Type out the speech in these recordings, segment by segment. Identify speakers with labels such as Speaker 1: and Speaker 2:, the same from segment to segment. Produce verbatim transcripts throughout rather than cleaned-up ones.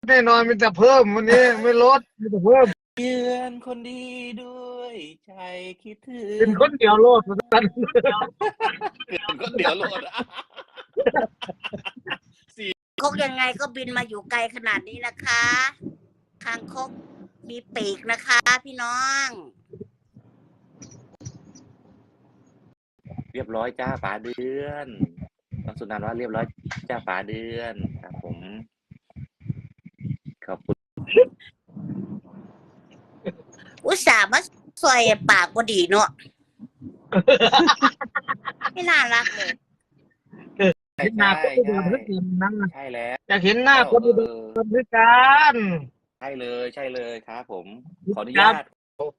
Speaker 1: แน่นอนมีแต่เพิ่มวันนี้ไม่ลดมีแต่เพิ่ม
Speaker 2: เยือนคนดีด้วยใจคิดถึง
Speaker 1: เป็นคนเดียวโลดสัน
Speaker 2: เป็นคนเดียวโลด
Speaker 3: คกยังไงก็บินมาอยู่ไกลขนาดนี้นะคะคางคกมีปีกนะคะพี่น้อง
Speaker 2: เรียบร้อยจ้าป๋าเดือนน้องสุนันท์ว่าเรียบร้อยจ้าป๋าเดือนครับผมขอบคุณ
Speaker 3: อุตส่าห์มาซอยปากก็ดีเนาะไม่น่ารักเลย
Speaker 2: ใช่
Speaker 1: เห็นหน้า
Speaker 2: ใช่
Speaker 1: คนอุดร
Speaker 2: ใช่
Speaker 1: ด้วยกันนั่ง
Speaker 2: ใช่แล้ว
Speaker 1: อยากเห็นหน้าคนอุด
Speaker 2: เออ
Speaker 1: รด้วยกัน
Speaker 2: ใช่เลยใช่เลยครับผมขออนุญาต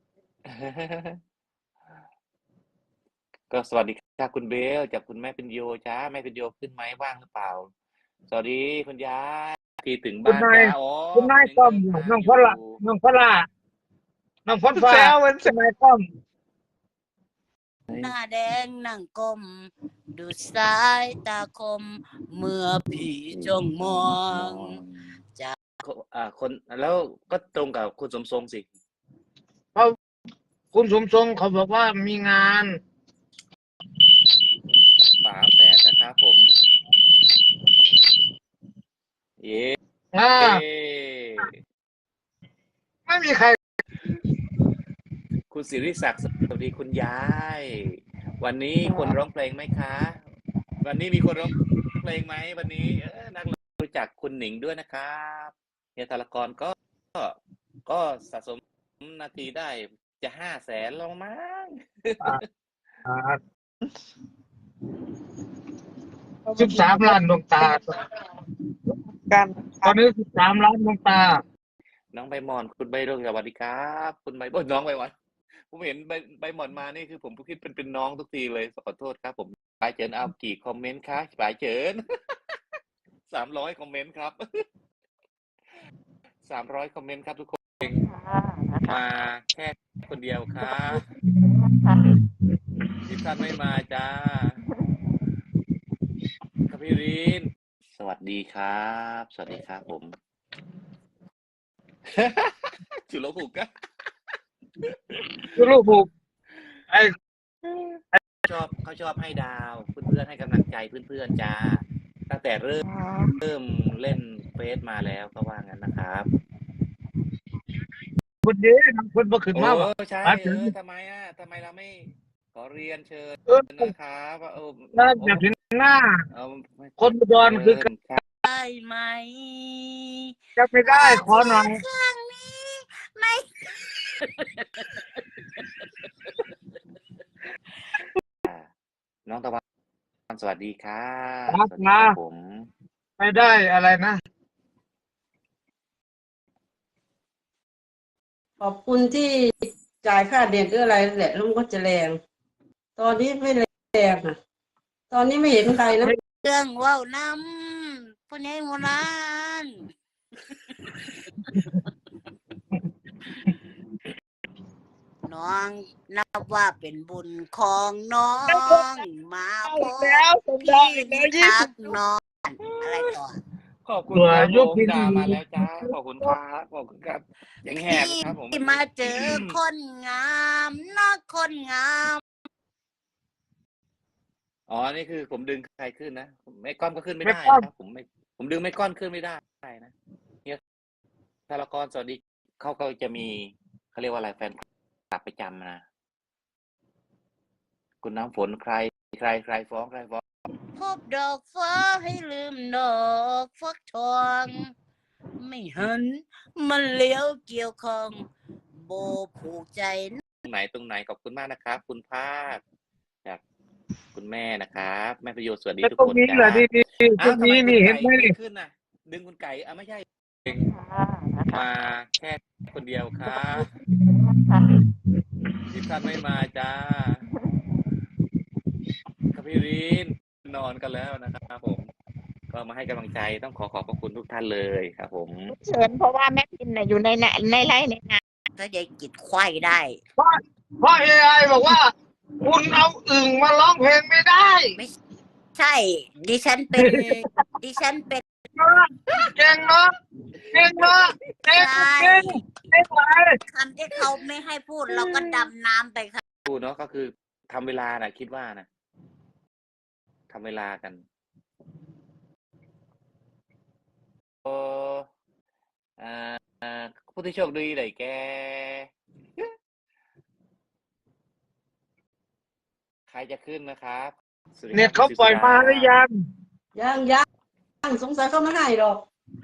Speaker 2: ก็สวัสดีค่ะคุณเบลจากคุณแม่เป็นโยจ้าแม่เป็นโยขึ้นไหมว่างหรือเปล่าสวัสดีคุณยายที่ถึง
Speaker 1: คุณ
Speaker 2: บ้าน
Speaker 1: นาย
Speaker 2: จ้าอ๋อ
Speaker 1: คุณนายก้อมน้องพละน้องพละน้องพลฟ้าคุณนายก้อม
Speaker 3: หน้าแดงนั่งก้มดูสายตาคมเมื่อพี่จ้องมอง จ้า
Speaker 2: อ่าคนแล้วก็ตรงกับคุณสมทรงสิ
Speaker 1: คุณสมทรงเขาบอกว่ามีงาน
Speaker 2: ฝาแฝดนะครับผมเย้
Speaker 1: อ่าไม่มีใคร
Speaker 2: คุณศิริศักดิ์สวัสดีคุณยายวันนี้คนร้องเพลงไหมคะ วันนี้มีคนร้องเพลงไหมวันนี้เออนักรู้จักคุณหนิงด้วยนะครับเฮียธารกรก็ก็ก็สะสมนาทีได้จะห้าแสนแล้วมั้ง
Speaker 1: สิบสามล้านดวงตา
Speaker 4: กัน
Speaker 1: ตอนนี้สิบสามล้านดวงตา
Speaker 2: น้องใบหมอนคุณใบเรื่องสวัสดีครับคุณใบโอ้ยน้องใบหมอนผมเห็นใบใบหมอนมานี่คือผมคิดเป็นเป็นน้องทุกทีเลยขอโทษครับผมปลายเจินเอากี่คอมเมนต์คะปลายเจิน สามร้อยคอมเมนต์ครับ สามร้อยคอมเมนต์ครับทุกคนมาแค่คนเดียวครับที่ท่านไม่มาจ้าครับพี่รินสวัสดีครับ สวัสดีครับผม จุลภูกะ
Speaker 1: คือลูกผูกไอ้
Speaker 2: ชอบเขาชอบให้ดาวเพื่อนๆให้กำลังใจเพื่อนๆจ้าตั้งแต่เริ่มเริ่มเล่นเฟซมาแล้วก็ว่างั้นนะครับ
Speaker 1: คนเดียวคนบ่ขึ้น
Speaker 2: โอ้
Speaker 1: มาว่ะ
Speaker 2: ใช่
Speaker 1: มา
Speaker 2: เอ
Speaker 1: ถึง
Speaker 2: อทำไมอ่ะทำไมเราไม่ขอเรียนเชิญ
Speaker 1: เออ
Speaker 2: นะครับว่าเออ
Speaker 1: น่าอยากเห็นหน้า
Speaker 2: เอา
Speaker 1: คนอุดรคือ
Speaker 2: เชิญครับ
Speaker 3: ได้ไหม
Speaker 1: จะไม่ได้ขอหน่อย
Speaker 3: ครั้งนี้ไม่
Speaker 2: น้องตะวันสวัสดีครับ
Speaker 1: ครับ
Speaker 2: สวัสดีครับ
Speaker 1: นะ
Speaker 2: ผม
Speaker 1: ไม่ได้อะไรนะ
Speaker 4: ขอบคุณที่จ่ายค่าเด็ดหรืออะไรแหละแล้วมันก็จะแรง ตอนนี้ไม่แรงอ่ะ ตอนนี้ไม่เห็นใครนะ
Speaker 3: เรื่องว่าวน้ำพ่อใหญ่โบราณน้องนับว่าเป็นบุญของน้องมาพบพี่ทักน้องอะไรต่อ
Speaker 2: ขอบคุณ
Speaker 1: ตัว
Speaker 2: ครับ
Speaker 1: ยุ
Speaker 2: ผ
Speaker 1: ค
Speaker 2: ม
Speaker 1: พิน
Speaker 2: ดามาแล้วจ้าขอบคุณครับขอบคุณครับยังแหบครับผม
Speaker 3: ที่มาเจอคนงามนะคนงาม
Speaker 2: อ๋อนี่คือผมดึงใครขึ้นนะไม่ก้อนก็ขึ้นไม่ได้
Speaker 1: ไม่ก้อน
Speaker 2: นะครับผมไม่ผมดึงไม่ก้อนขึ้นไม่ได้นะเนี่ยธารกรสวัสดีเขาก็จะมีเขาเรียกว่าอะไรแฟนคลับประจำนะคุณน้ำฝนใครใครใครฟ้องใครฟ้อง
Speaker 3: พบดอกฟ้าให้ลืมดอกฟักทองไม่หันมันเลี้ยวเกี่ยวของโบผูกใจ
Speaker 2: ตรงไหนตรงไหนขอบคุณมากนะครับ คุณภาคจากคุณแม่นะครับแม่ประโยชน์สวัสดี
Speaker 1: แต่
Speaker 2: ทุก
Speaker 1: ตรง
Speaker 2: คน
Speaker 1: นี้
Speaker 2: จ้า
Speaker 1: แหละดีๆตร
Speaker 2: อ้าว
Speaker 1: ง
Speaker 2: ทำไม
Speaker 1: นี้
Speaker 2: คุณ
Speaker 1: นี่เห็น
Speaker 2: ไก่
Speaker 1: ไหม
Speaker 2: ไม่
Speaker 1: นี่
Speaker 2: ขึ้นน่ะ ดึงคุณไก่อ่ะไม่ใช่มาแค่คนเดียวครับที่ท่านไม่มาจ้าครับพี่รินนอนกันแล้วนะครับผม ก็มาให้กำลังใจต้องขอขอบพระคุณทุกท่านเลยครับผม
Speaker 5: เชิญเพราะว่าแม่พินน่ะอยู่ในในในไร่ในนา
Speaker 3: ถ้ายายกิดควายได้
Speaker 1: เพราะเพราะเอไอบอกว่า คุณเอาอึ่งมาร้องเพลงไม่ได้
Speaker 3: ใช่ ดิฉันเป็น ดิฉันเป็น
Speaker 1: เนาะเก่งเนาะเก่งเนาะเก่ง
Speaker 3: ใช่
Speaker 1: เก่งเก่งไป
Speaker 3: คำที่เขาไม่ให้พูดเราก็ดำน้ำไปค่ะ
Speaker 2: พูดเนาะก็คือทำเวลานะคิดว่านะทำเวลากันโอ้อ่าผู้ที่โชคดีได้แกใครจะขึ้นนะครับสวัสดีครับ
Speaker 1: เน็ตเขาปล่อยมาหรือยัง
Speaker 4: ยังยังสงสัยเขาไม่ให้หรอก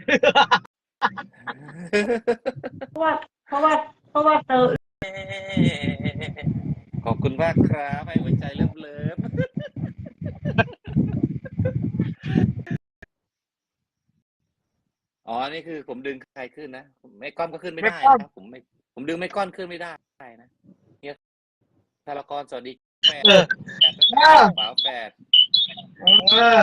Speaker 4: เพราะว่า เพราะว่า เพราะว่าเธอ
Speaker 2: ขอบคุณมากครับให้หัวใจเลิฟเลิฟอ๋อนี่คือผมดึงใครขึ้นนะไม่ก้อนก็ขึ้นไม่ได้นะครับผมไม่ผมดึงไม่ก้อนขึ้นไม่ได้นะเนี่ยธารกรสวัสดีแม่
Speaker 1: เออ
Speaker 2: ฝาแฝด
Speaker 1: เออ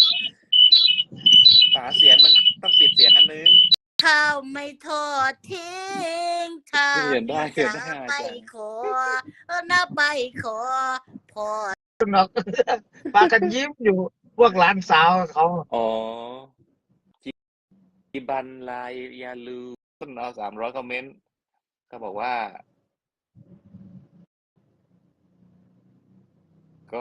Speaker 2: ฝาเสียงมันต้องปิดเสียงอันนึง
Speaker 3: ข้าวไม่ทอดทิ้งถ้า
Speaker 2: เขียนได้เขียน
Speaker 3: จะ
Speaker 2: ได้
Speaker 3: ไปขอเออนะไปขอพอ
Speaker 1: หนอกปากันยิ้มอยู่พวกหลานสาวเขา
Speaker 2: อ๋อจิบันลายยาลูต้นเอาสามร้อยคอมเมนต์เขาบอกว่า ก็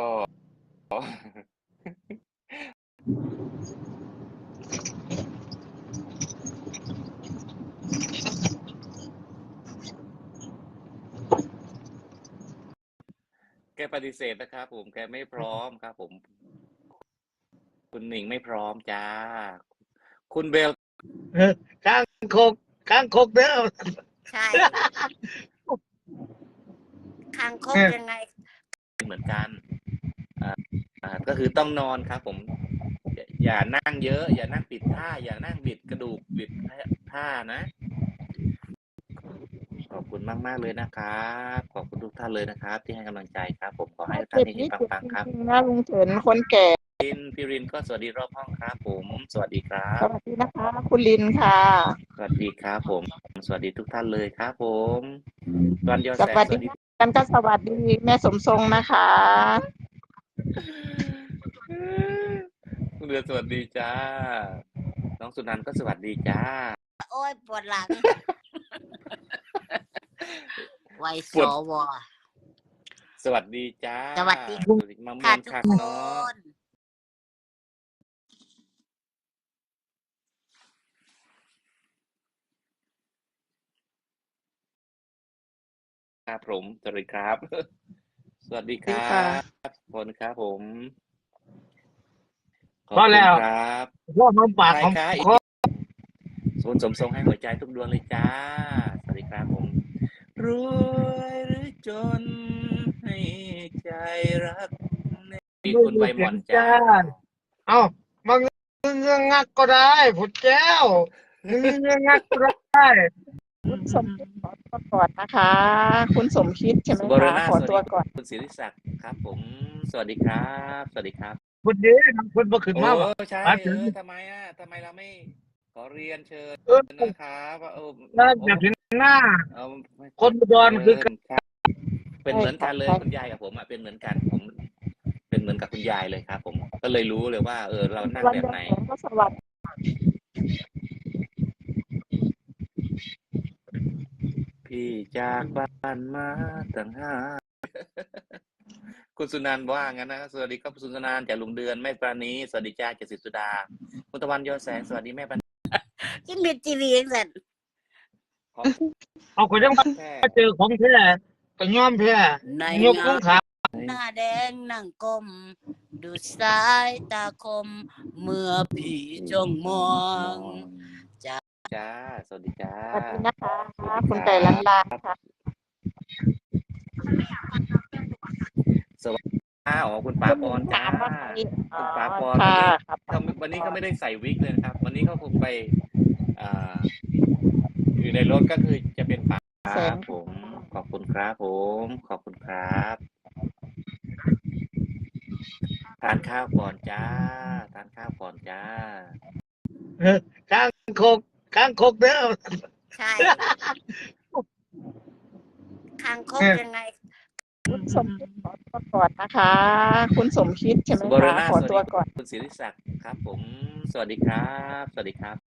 Speaker 2: แกปฏิเสธนะครับผมแกไม่พร้อมครับผม คุณหนิงไม่พร้อมจ้า คุณเบล
Speaker 1: เออข้างคกข้างคกเด้อ
Speaker 3: ใช่คางคกยังไง
Speaker 2: เหมือนกันอ่าอ่าก็คือต้องนอนครับผมอย่าอย่านั่งเยอะ อย่านั่งปิดท่า อย่านั่งบิดกระดูกบิดท่านะ ขอบคุณมากมากๆเลยนะครับขอบคุณทุกท่านเลยนะครับ ที่ให้กำลังใจครับ ผมขอให้ทุกท่านเฮงๆปังๆครับ
Speaker 5: จริงๆนะลุงเฉินคนแก่
Speaker 2: รินพี่รินก็สวัสดีรอบห้องครับผม สวัสดีครั
Speaker 5: ส
Speaker 2: บ
Speaker 5: วัสดีนะคะ คุณลินค่ะ
Speaker 2: สวัสดีครับผม สวัสดีทุกท่านเลยครับผมวันยอ
Speaker 5: ส
Speaker 2: แสง
Speaker 5: วัส
Speaker 2: สวัส
Speaker 5: ดี
Speaker 2: ดี
Speaker 5: กันก็สวัสดีแม่สมทรงนะคะ
Speaker 2: คุณเดือนสวัสดีจ้า น้องสุนันท์ก็สวัสดีจ้า
Speaker 3: โอ้ยปวดหลัง ไวส
Speaker 2: ปวด
Speaker 3: ว
Speaker 2: สวัสดีจ้า
Speaker 3: สวัสดี
Speaker 2: มะม่
Speaker 3: ค่ะ
Speaker 2: วง
Speaker 3: ทุก
Speaker 2: คัก
Speaker 3: ค
Speaker 2: เนาะ
Speaker 3: น
Speaker 2: ครับผมสวัสดีครับ สวัสดีค
Speaker 5: ดี
Speaker 2: รั
Speaker 5: ค่ะ
Speaker 2: บคนครับผมขอบ
Speaker 1: พอ
Speaker 2: คุ
Speaker 1: แล้
Speaker 2: ณ
Speaker 1: ว
Speaker 2: ครับ
Speaker 1: พวกมันปาก
Speaker 2: ใคร
Speaker 1: ของ
Speaker 2: คะอีก
Speaker 1: คอ
Speaker 2: ศูนย์สมทรงให้หัวใจทุกดวงเลยจ้า สวัสดีครับผม รวยหรือจนให้ใจรักมีคุณใบหม่อนจ้า
Speaker 1: เอ้ามาเงื้องักก็ได้ผุดแก้วเงื้องักก็ได้
Speaker 5: คุณสมคิดขอตัวก่อนนะคะ คุณสมคิดใช่ไหม
Speaker 2: สุบร
Speaker 5: คะ
Speaker 2: ณา
Speaker 5: ขอ
Speaker 2: สวัส
Speaker 5: ตั
Speaker 2: ดี
Speaker 5: วก่อน
Speaker 2: คุณศิริศักดิ์ครับผม สวัสดีครับ สวัสดีครับ
Speaker 1: ผุดเด้ทำคนบ่ขึ้น
Speaker 2: โอ้
Speaker 1: มาบ่
Speaker 2: ใช่
Speaker 1: มา
Speaker 2: เอ
Speaker 1: ถึง
Speaker 2: อทำไมอ่ะทำไมเราไม่ขอเรียนเชิญ
Speaker 1: เออ
Speaker 2: นะครับว่าเออ
Speaker 1: น่า
Speaker 2: โอ้
Speaker 1: จะถึงหน้า
Speaker 2: เอา
Speaker 1: คนอุดรคือ
Speaker 2: เชิญครับ เป็นเหมือนกันเลย
Speaker 5: ใช่ค่ะ
Speaker 2: คุณยายกับผมอ่ะเป็นเหมือนกันผมเป็นเหมือนกับคุณยายเลยครับผมก็เลยรู้เลยว่า เออเรานั่ง
Speaker 5: วัน
Speaker 2: แบบ
Speaker 5: ยอ
Speaker 2: ไหน
Speaker 5: แสงก็สวัสดี
Speaker 2: พี่จากบ้านมาตั้งห้า คุณสุนันท์ว่างั้นนะสวัสดีครับคุณสุนันท์จากลุงเดือนแม่ปราณีสวัสดีจ้าเจสิสุดาคุณตะวันยอแสงสวัสดีแม่ปราณี
Speaker 3: กินเม็ดจีวีเองสัน
Speaker 2: ขอ
Speaker 1: เอาก็ยัง
Speaker 2: แค่
Speaker 1: มาเจอของแท้ก็ยอมแพ้
Speaker 3: ใน
Speaker 1: ยกล
Speaker 3: งาง น
Speaker 1: ขา
Speaker 3: หน้าแดงนั่งก้มดูสายตาคม เมื่อพี่จ้องมอง จ้า
Speaker 2: จ้าสวัสดีจ้า
Speaker 5: สวัสดีนะคะ
Speaker 2: สวัสดี
Speaker 5: คุณ
Speaker 2: ค
Speaker 5: ไก่
Speaker 2: รั
Speaker 5: ลัน
Speaker 2: บ
Speaker 5: ลาค่ะ
Speaker 2: สวัสดีอ้าวคุณป๋า
Speaker 5: คุณ
Speaker 2: ป
Speaker 5: ลิ
Speaker 2: อน
Speaker 5: น
Speaker 2: จ้า
Speaker 5: ถามว่าใครอ๋
Speaker 2: คุ
Speaker 5: อ
Speaker 2: ณป๋าปอน
Speaker 5: ค่ะ
Speaker 2: วันนี้
Speaker 5: ครับ
Speaker 2: เขาวันนี้เขาไม่ได้ใส่วิกเลยนะครับ วันนี้เขาคงไปอ่าอยู่ในรถก็คือจะเป็นป๋า
Speaker 5: แสง
Speaker 2: ผม ขอบคุณครับผม ขอบคุณครับทานข้าวก่อนจ้าทานข้าวก่อนจ้า
Speaker 1: เออข้างคกข้างคกเด้อ
Speaker 3: ใช่คางคก
Speaker 1: เออ
Speaker 3: ยังไง
Speaker 1: เ
Speaker 5: คุณสมคิดขอตัวก่อนนะคะ คุณสมคิดใช่ไหม
Speaker 2: สุบร
Speaker 5: คะ
Speaker 2: นาถ
Speaker 5: ขอ
Speaker 2: สวัส
Speaker 5: ตัว
Speaker 2: ดี
Speaker 5: ก่อน
Speaker 2: คุณศิริศักดิ์ครับผม สวัสดีครับ สวัสดีครับ